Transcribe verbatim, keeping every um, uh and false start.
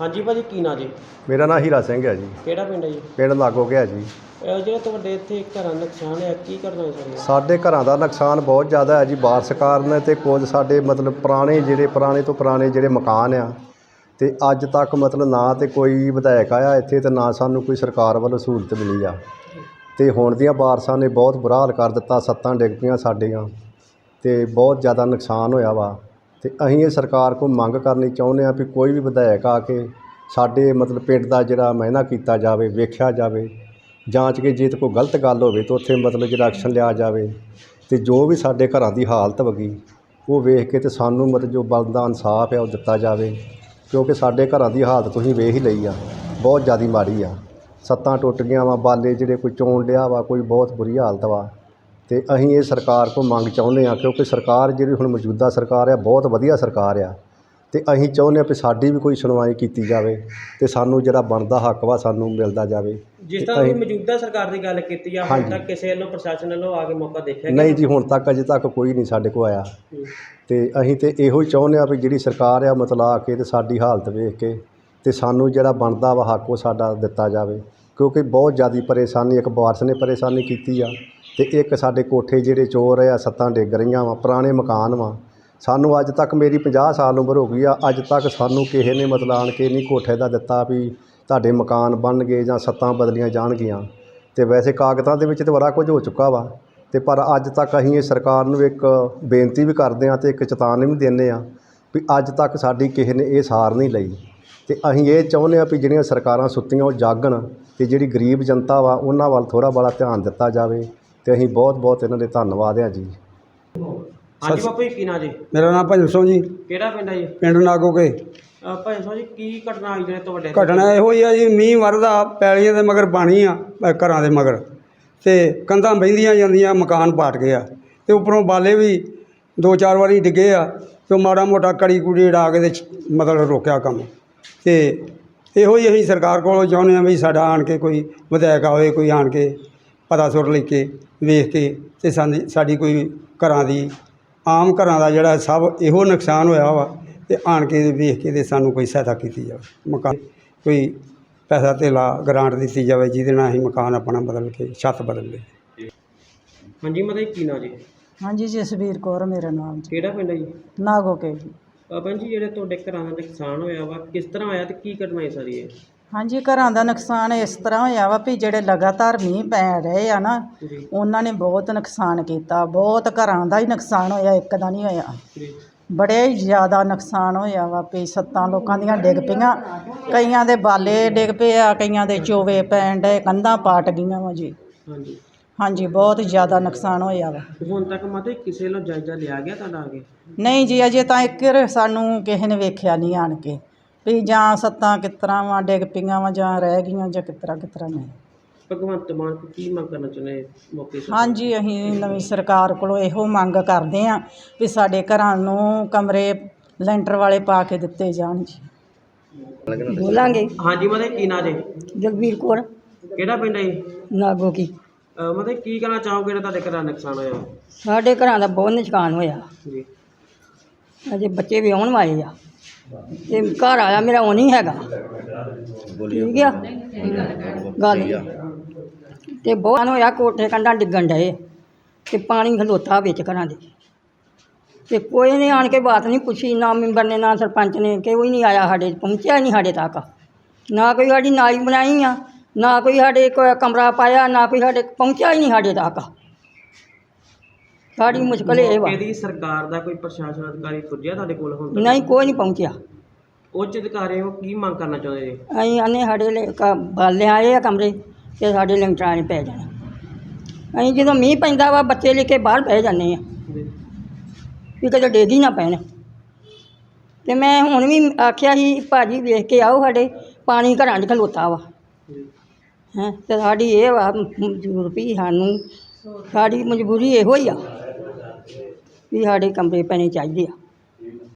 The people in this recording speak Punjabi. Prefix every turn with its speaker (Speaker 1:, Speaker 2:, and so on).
Speaker 1: हाँ जी भाजी की ना जी
Speaker 2: मेरा नाम हीरा सिंह है जी।
Speaker 1: ਕਿਹੜਾ ਪਿੰਡ ਹੈ ਜੀ?
Speaker 2: ਪਿੰਡ ਲਾਗੋ ਗਿਆ ਜੀ।
Speaker 1: ਇਹ ਜਿਹੜਾ ਤੁਹਾਡੇ ਇੱਥੇ ਘਰਾਂ ਦਾ ਨੁਕਸਾਨ ਹੈ ਕੀ ਕਰਨਾ ਹੈ ਸਰ?
Speaker 2: ਸਾਡੇ ਘਰਾਂ ਦਾ ਨੁਕਸਾਨ ਬਹੁਤ ਜ਼ਿਆਦਾ ਹੈ ਜੀ ਬਾਰਿਸ਼ ਕਾਰਨ, ਤੇ ਕੁਝ ਸਾਡੇ ਮਤਲਬ ਪੁਰਾਣੇ ਜਿਹੜੇ ਪੁਰਾਣੇ ਤੋਂ ਪੁਰਾਣੇ ਜਿਹੜੇ ਮਕਾਨ ਆ, ਤੇ ਅੱਜ ਤੱਕ ਮਤਲਬ ਨਾ ਤੇ ਕੋਈ ਵਿਧਾਇਕ ਆਇਆ ਇੱਥੇ, ਤੇ ਨਾ ਸਾਨੂੰ ਕੋਈ ਸਰਕਾਰ ਵੱਲੋਂ ਸਹੂਲਤ ਮਿਲੀ ਆ। ਤੇ ਹੁਣ ਦੀਆਂ ਬਾਰਿਸ਼ਾਂ ਨੇ ਬਹੁਤ ਬੁਰਾ ਹਾਲ ਕਰ ਦਿੱਤਾ, ਸੱਤਾਂ ਡਿੱਗ ਪਈਆਂ ਸਾਡੀਆਂ, ਤੇ ਬਹੁਤ ਜ਼ਿਆਦਾ ਨੁਕਸਾਨ ਹੋਇਆ ਵਾ। ਤੇ ਅਸੀਂ ਇਹ ਸਰਕਾਰ ਕੋਲ ਮੰਗ ਕਰਨੀ ਚਾਹੁੰਦੇ ਹਾਂ ਵੀ ਕੋਈ ਵੀ ਵਿਧਾਇਕ ਆ ਕੇ ਸਾਡੇ ਮਤਲਬ ਪਿੰਡ ਦਾ ਜਿਹੜਾ ਮਾਇਨਾ ਕੀਤਾ ਜਾਵੇ, ਵੇਖਿਆ ਜਾਵੇ, ਜਾਂਚ ਕੇ ਜੇ ਤੇ ਕੋਈ ਗਲਤ ਗੱਲ ਹੋਵੇ ਤਾਂ ਉੱਥੇ ਮਤਲਬ ਜਿਹੜਾ ਐਕਸ਼ਨ ਲਿਆ ਜਾਵੇ, ਤੇ ਜੋ ਵੀ ਸਾਡੇ ਘਰਾਂ ਦੀ ਹਾਲਤ ਵਗੀ ਉਹ ਵੇਖ ਕੇ ਤੇ ਸਾਨੂੰ ਮਤਲਬ ਜੋ ਬਣਦਾ ਇਨਸਾਫ ਹੈ ਉਹ ਦਿੱਤਾ ਜਾਵੇ, ਕਿਉਂਕਿ ਸਾਡੇ ਘਰਾਂ ਦੀ ਹਾਲਤ ਤੁਸੀਂ ਵੇਖ ਹੀ ਲਈ ਆ, ਬਹੁਤ ਜ਼ਿਆਦਾ ਮਾੜੀ ਆ। ਸੱਤਾਂ ਟੁੱਟ ਗਈਆਂ ਵਾ, ਬਾਲੇ ਜਿਹੜੇ ਕੋਈ ਚੋਣ ਲਿਆ ਵਾ, ਕੋਈ ਬਹੁਤ ਬੁਰੀ ਹਾਲਤ ਵਾ। ਤੇ ਅਸੀਂ ਇਹ ਸਰਕਾਰ ਕੋਲ ਮੰਗ ਚਾਹੁੰਦੇ ਹਾਂ, ਕਿਉਂਕਿ ਸਰਕਾਰ ਜਿਹੜੀ ਹੁਣ ਮੌਜੂਦਾ ਸਰਕਾਰ ਆ ਬਹੁਤ ਵਧੀਆ ਸਰਕਾਰ ਆ, ਤੇ ਅਸੀਂ ਚਾਹੁੰਦੇ ਹਾਂ ਵੀ ਸਾਡੀ ਵੀ ਕੋਈ ਸੁਣਵਾਈ ਕੀਤੀ ਜਾਵੇ ਤੇ ਸਾਨੂੰ ਜਿਹੜਾ ਬਣਦਾ ਹੱਕ ਵਾ ਸਾਨੂੰ ਮਿਲਦਾ ਜਾਵੇ।
Speaker 1: ਜਿਸ ਤਰ੍ਹਾਂ ਤੁਸੀਂ ਮੌਜੂਦਾ ਸਰਕਾਰ ਦੀ ਗੱਲ ਕੀਤੀ ਆ, ਹੁਣ ਤੱਕ ਕਿਸੇ ਵੱਲੋਂ ਪ੍ਰਸ਼ਾਸਨ ਵੱਲੋਂ ਆ ਕੇ ਮੌਕਾ ਦੇਖਿਆ?
Speaker 2: ਨਹੀਂ ਜੀ, ਹੁਣ ਤੱਕ ਅਜੇ ਤੱਕ ਕੋਈ ਨਹੀਂ ਸਾਡੇ ਕੋਲ ਆਇਆ। ਤੇ ਅਸੀਂ ਤੇ ਇਹੋ ਹੀ ਚਾਹੁੰਦੇ ਹਾਂ ਵੀ ਜਿਹੜੀ ਸਰਕਾਰ ਆ ਮਤਲਬ ਆ ਕੇ ਤੇ ਸਾਡੀ ਹਾਲਤ ਵੇਖ ਕੇ ਤੇ ਸਾਨੂੰ ਜਿਹੜਾ ਬਣਦਾ ਵਾ ਹੱਕ ਉਹ ਸਾਡਾ ਦਿੱਤਾ ਜਾਵੇ, ਕਿਉਂਕਿ ਬਹੁਤ ਜ਼ਿਆਦਾ ਪਰੇਸ਼ਾਨੀ, ਇੱਕ ਬਾਰਿਸ਼ ਨੇ ਪਰੇਸ਼ਾਨੀ ਕੀਤੀ ਆ, ਤੇ ਇੱਕ ਸਾਡੇ ਕੋਠੇ ਜਿਹੜੇ ਚੋਰ ਆ, ਸੱਤਾਂ ਡਿੱਗ ਰਹੀਆਂ ਵਾ, ਪੁਰਾਣੇ ਮਕਾਨ ਵਾ। ਸਾਨੂੰ ਅੱਜ ਤੱਕ ਮੇਰੀ ਪੰਜਾਹ ਸਾਲ ਉਮਰ ਹੋ ਗਈ ਆ, ਅੱਜ ਤੱਕ ਸਾਨੂੰ ਕਿਸੇ ਨੇ ਮਤਲਬ ਆਣ ਕੇ ਨਹੀਂ ਕੋਠੇ ਦਾ ਦਿੱਤਾ ਵੀ ਤੁਹਾਡੇ ਮਕਾਨ ਬਣ ਗਏ ਜਾਂ ਸੱਤਾਂ ਬਦਲੀਆਂ ਜਾਣਗੀਆਂ। ਤੇ ਵੈਸੇ ਕਾਗਜ਼ਾਂ ਦੇ ਵਿੱਚ ਤਾਂ ਬੜਾ ਕੁਝ ਹੋ ਚੁੱਕਾ ਵਾ, ਤੇ ਪਰ ਅੱਜ ਤੱਕ ਅਸੀਂ ਇਹ ਸਰਕਾਰ ਨੂੰ ਇੱਕ ਬੇਨਤੀ ਵੀ ਕਰਦੇ ਹਾਂ ਤੇ ਇੱਕ ਚੇਤਾਵਨੀ ਵੀ ਦਿੰਦੇ ਹਾਂ ਵੀ ਅੱਜ ਤੱਕ ਸਾਡੀ ਕਿਸੇ ਨੇ ਇਹ ਸਾਰ ਨਹੀਂ ਲਈ। ਤੇ ਅਸੀਂ ਇਹ ਚਾਹੁੰਦੇ ਹਾਂ ਵੀ ਜਿਹੜੀਆਂ ਸਰਕਾਰਾਂ ਸੁੱਤੀਆਂ ਉਹ ਜਾਗਣ, ਤੇ ਜਿਹੜੀ ਗਰੀਬ ਜਨਤਾ ਵਾ ਉਹਨਾਂ ਵੱਲ ਥੋੜ੍ਹਾ ਬੜਾ ਧਿਆਨ ਦਿੱਤਾ ਜਾਵੇ। ਤੇ ਅਸੀਂ ਬਹੁਤ ਬਹੁਤ ਇਹਨਾਂ ਦੇ ਧੰਨਵਾਦ ਹਾਂ ਜੀ।
Speaker 1: ਹਾਂਜੀ ਬਾਪੂ ਜੀ ਕੀ ਨਾਂ ਜੀ?
Speaker 3: ਮੇਰਾ ਨਾਮ ਭਜਨ ਸਿੰਘ ਜੀ।
Speaker 1: ਕਿਹੜਾ ਪਿੰਡ ਹੈ ਜੀ?
Speaker 3: ਪਿੰਡ ਨਾਗੋਕੇ।
Speaker 1: ਭਜਨ ਸਿੰਘ ਜੀ ਕੀ ਘਟਨਾ ਆਈ ਜਿਹੜੇ ਤੁਹਾਡੇ?
Speaker 3: ਘਟਨਾ ਇਹੋ ਹੀ ਆ ਜੀ, ਮੀਂਹ ਵਰਦਾ, ਪੈਲੀਆਂ ਦੇ ਮਗਰ ਪਾਣੀ ਆ, ਅ, ਘਰਾਂ ਦੇ ਮਗਰ, ਤੇ ਕੰਧਾਂ ਬਹਿੰਦੀਆਂ ਜਾਂਦੀਆਂ, ਮਕਾਨ ਪਾਟ ਗਏ ਆ, ਤੇ ਉੱਪਰੋਂ ਬਾਲੇ ਵੀ ਦੋ ਚਾਰ ਵਾਰੀ ਡਿੱਗੇ ਆ, ਤੇ ਮਾੜਾ ਮੋਟਾ ਕੜੀ ਕੁੜੀ ਉਡਾ ਕੇ ਤੇ ਮਤਲਬ ਰੋਕਿਆ ਕੰਮ। ਤੇ ਇਹੋ ਹੀ ਅਸੀਂ ਸਰਕਾਰ ਕੋਲੋਂ ਚਾਹੁੰਦੇ ਹਾਂ ਵੀ ਸਾਡਾ ਆਣ ਕੇ ਕੋਈ ਵਿਧਾਇਕ ਆਵੇ, ਕੋਈ ਆਣ ਕੇ ਪਤਾ ਸੁਰ ਲੈ ਕੇ ਵੇਖ ਕੇ ਤੇ ਸਾਡੀ ਸਾਡੀ ਕੋਈ ਘਰਾਂ ਦੀ ਆਮ ਘਰਾਂ ਦਾ ਜਿਹੜਾ ਸਭ ਇਹੋ ਨੁਕਸਾਨ ਹੋਇਆ ਵਾ, ਤੇ ਆਣ ਕੇ ਵੇਖ ਕੇ ਤੇ ਸਾਨੂੰ ਕੋਈ ਸਹਾਇਤਾ ਕੀਤੀ ਜਾਵੇ, ਮਕਾਨ ਕੋਈ ਪੈਸਾ ਧੇਲਾ ਗਰਾਂਟ ਦਿੱਤੀ ਜਾਵੇ ਜਿਹਦੇ ਨਾਲ ਅਸੀਂ ਮਕਾਨ ਆਪਣਾ ਬਦਲ ਕੇ ਛੱਤ ਬਦਲ ਲਈਏ।
Speaker 1: ਹਾਂਜੀ ਮਤਲਬ ਕੀ ਨਾਂ ਜੀ?
Speaker 4: ਹਾਂਜੀ ਜਸਵੀਰ ਕੌਰ ਮੇਰਾ ਨਾਮ ਜੀ।
Speaker 1: ਕਿਹੜਾ ਪਿੰਡ ਹੈ ਜੀ?
Speaker 4: ਨਾਗੋਕੇ ਜੀ।
Speaker 1: ਭੈਣ ਜੀ ਜਿਹੜੇ ਤੁਹਾਡੇ ਘਰਾਂ ਦਾ ਨੁਕਸਾਨ ਹੋਇਆ ਵਾ ਕਿਸ ਤਰ੍ਹਾਂ ਹੋਇਆ ਤੇ ਕੀ ਘਟਨਾ ਹੈ ਸਾਰੀ ਇਹ?
Speaker 4: ਹਾਂਜੀ ਘਰਾਂ ਦਾ ਨੁਕਸਾਨ ਇਸ ਤਰ੍ਹਾਂ ਹੋਇਆ ਵਾ ਵੀ ਜਿਹੜੇ ਲਗਾਤਾਰ ਮੀਂਹ ਪੈ ਰਹੇ ਆ ਨਾ, ਉਹਨਾਂ ਨੇ ਬਹੁਤ ਨੁਕਸਾਨ ਕੀਤਾ, ਬਹੁਤ ਘਰਾਂ ਦਾ ਹੀ ਨੁਕਸਾਨ ਹੋਇਆ, ਇੱਕ ਦਾ ਨਹੀਂ ਹੋਇਆ, ਬੜੇ ਹੀ ਜ਼ਿਆਦਾ ਨੁਕਸਾਨ ਹੋਇਆ ਵਾ ਵੀ ਸੱਤਾਂ ਲੋਕਾਂ ਦੀਆਂ ਡਿੱਗ ਪਈਆਂ, ਕਈਆਂ ਦੇ ਬਾਲੇ ਡਿੱਗ ਪਏ ਆ, ਕਈਆਂ ਦੇ ਚੋਵੇ ਪੈਣ ਡਏ, ਕੰਧਾਂ ਪਾਟ ਗਈਆਂ ਵਾ ਜੀ।
Speaker 1: ਹਾਂਜੀ
Speaker 4: ਹਾਂਜੀ ਬਹੁਤ ਜ਼ਿਆਦਾ ਨੁਕਸਾਨ ਹੋਇਆ ਵਾ।
Speaker 1: ਹੁਣ ਤੱਕ ਮਤਲਬ ਕਿਸੇ ਵੱਲੋਂ ਜਾਇਜ਼ਾ ਲਿਆ ਗਿਆ ਤੁਹਾਡਾ ਆ ਕੇ?
Speaker 4: ਨਹੀਂ ਜੀ ਅਜੇ ਤਾਂ ਇੱਕ ਸਾਨੂੰ ਕਿਸੇ ਨੇ ਵੇਖਿਆ ਨਹੀਂ ਆਣ ਕੇ ਵੀ ਜਾਂ ਸੱਤਾਂ ਕਿਸ ਤਰ੍ਹਾਂ ਵਾ ਡਿੱਗ ਪਈਆਂ ਵਾ ਜਾਂ ਰਹਿ ਗਈਆਂ ਜਾਂ ਕਿਸ ਤਰ੍ਹਾਂ ਕਿਸ ਤਰ੍ਹਾਂ ਨਹੀਂ।
Speaker 1: ਭਗਵੰਤ ਮਾਨ ਕੋਲ ਕੀ ਮੰਗ ਕਰਨਾ ਚਾਹੁੰਦੇ ਮੌਕੇ ਤੇ?
Speaker 4: ਹਾਂਜੀ ਅਸੀਂ ਨਵੀਂ ਸਰਕਾਰ ਕੋਲੋਂ ਇਹੋ ਮੰਗ ਕਰਦੇ ਹਾਂ ਵੀ ਸਾਡੇ ਘਰਾਂ ਨੂੰ ਕਮਰੇ ਲੈਂਟਰ ਵਾਲੇ ਪਾ ਕੇ ਦਿੱਤੇ ਜਾਣ ਜੀ।
Speaker 5: ਬੋਲਾਂਗੇ।
Speaker 1: ਹਾਂਜੀ ਮਤਲਬ ਕੀ ਨਾਂ ਜੀ?
Speaker 5: ਜਗਵੀਰ ਕੌਰ।
Speaker 1: ਕਿਹੜਾ ਪਿੰਡ ਹੈ ਜੀ?
Speaker 5: ਨਾਗੋਕੀ।
Speaker 1: ਮਤਲਬ ਕੀ ਕਹਿਣਾ ਚਾਹੋਗੇ ਜਿਹੜਾ ਤੁਹਾਡੇ ਘਰਾਂ ਦਾ ਨੁਕਸਾਨ ਹੋਇਆ?
Speaker 5: ਸਾਡੇ ਘਰਾਂ ਦਾ ਬਹੁਤ ਨੁਕਸਾਨ ਹੋਇਆ,
Speaker 1: ਜੀ
Speaker 5: ਅਜੇ ਬੱਚੇ ਵੀ ਆਉਣ ਵਾਲੇ ਆ, ਤੇ ਘਰ ਆਇਆ ਮੇਰਾ ਉਹ ਨਹੀਂ ਹੈਗਾ, ਠੀਕ ਆ ਗੱਲ। ਤੇ ਬਹੁਤ ਹੋਇਆ, ਕੋਠੇ ਕੰਧਾਂ ਡਿੱਗਣ ਡਏ, ਤੇ ਪਾਣੀ ਖਲੋਤਾ ਵਿੱਚ ਘਰਾਂ ਦੇ, ਤੇ ਕੋਈ ਨੇ ਆਣ ਕੇ ਬਾਤ ਨਹੀਂ ਪੁੱਛੀ, ਨਾ ਮੈਂਬਰ ਨੇ ਨਾ ਸਰਪੰਚ ਨੇ, ਕੋਈ ਨਹੀਂ ਆਇਆ, ਸਾਡੇ ਪਹੁੰਚਿਆ ਨਹੀਂ ਸਾਡੇ ਤੱਕ, ਨਾ ਕੋਈ ਸਾਡੀ ਨਾਲੀ ਬਣਾਈ ਆ, ਨਾ ਕੋਈ ਸਾਡੇ ਕੋਈ ਕਮਰਾ ਪਾਇਆ, ਨਾ ਕੋਈ ਸਾਡੇ ਪਹੁੰਚਿਆ ਹੀ ਨਹੀਂ ਸਾਡੇ ਤੱਕ। ਸਾਡੀ ਮੁਸ਼ਕਲ ਇਹ ਵਾ।
Speaker 1: ਇਹਦੀ ਸਰਕਾਰ ਦਾ ਕੋਈ ਪ੍ਰਸ਼ਾਸਨ ਅਧਿਕਾਰੀ ਪੁੱਜਿਆ ਤੁਹਾਡੇ ਕੋਲ ਹੁਣ ਤੱਕ?
Speaker 5: ਨਹੀਂ ਕੋਈ ਨਹੀਂ ਪਹੁੰਚਿਆ।
Speaker 1: ਉੱਚ ਅਧਿਕਾਰੀ ਉਹ ਕੀ ਮੰਗ ਕਰਨਾ ਚਾਹੁੰਦੇ ਜੀ?
Speaker 5: ਅਸੀਂ ਆਨੇ ਸਾਡੇ ਲੈ ਬਾਲੇ ਆਏ ਆ ਕਮਰੇ, ਤੇ ਸਾਡੇ ਲੈਂਟਰਾਂ 'ਚ ਪੈ ਜਾਣਾ। ਅਸੀਂ ਜਦੋਂ ਮੀਂਹ ਪੈਂਦਾ ਵਾ ਬੱਚੇ ਲੈ ਕੇ ਬਾਹਰ ਬਹਿ ਜਾਂਦੇ ਆ ਵੀ ਕਿਤੇ ਡਿੱਗ ਹੀ ਨਾ ਪੈਣ। ਤੇ ਮੈਂ ਹੁਣ ਵੀ ਆਖਿਆ ਸੀ ਭਾਜੀ ਵੇਖ ਕੇ ਆਓ, ਸਾਡੇ ਪਾਣੀ ਘਰਾਂ 'ਚ ਖਲੋਤਾ ਵਾ ਹੈਂ, ਤੇ ਸਾਡੀ ਇਹ ਵਾ ਮਜਬੂਰੀ, ਸਾਨੂੰ ਸਾਡੀ ਮਜਬੂਰੀ ਇਹੋ ਹੀ ਆ ਵੀ ਸਾਡੇ ਕਮਰੇ ਪੈਣੇ ਚਾਹੀਦੇ ਆ।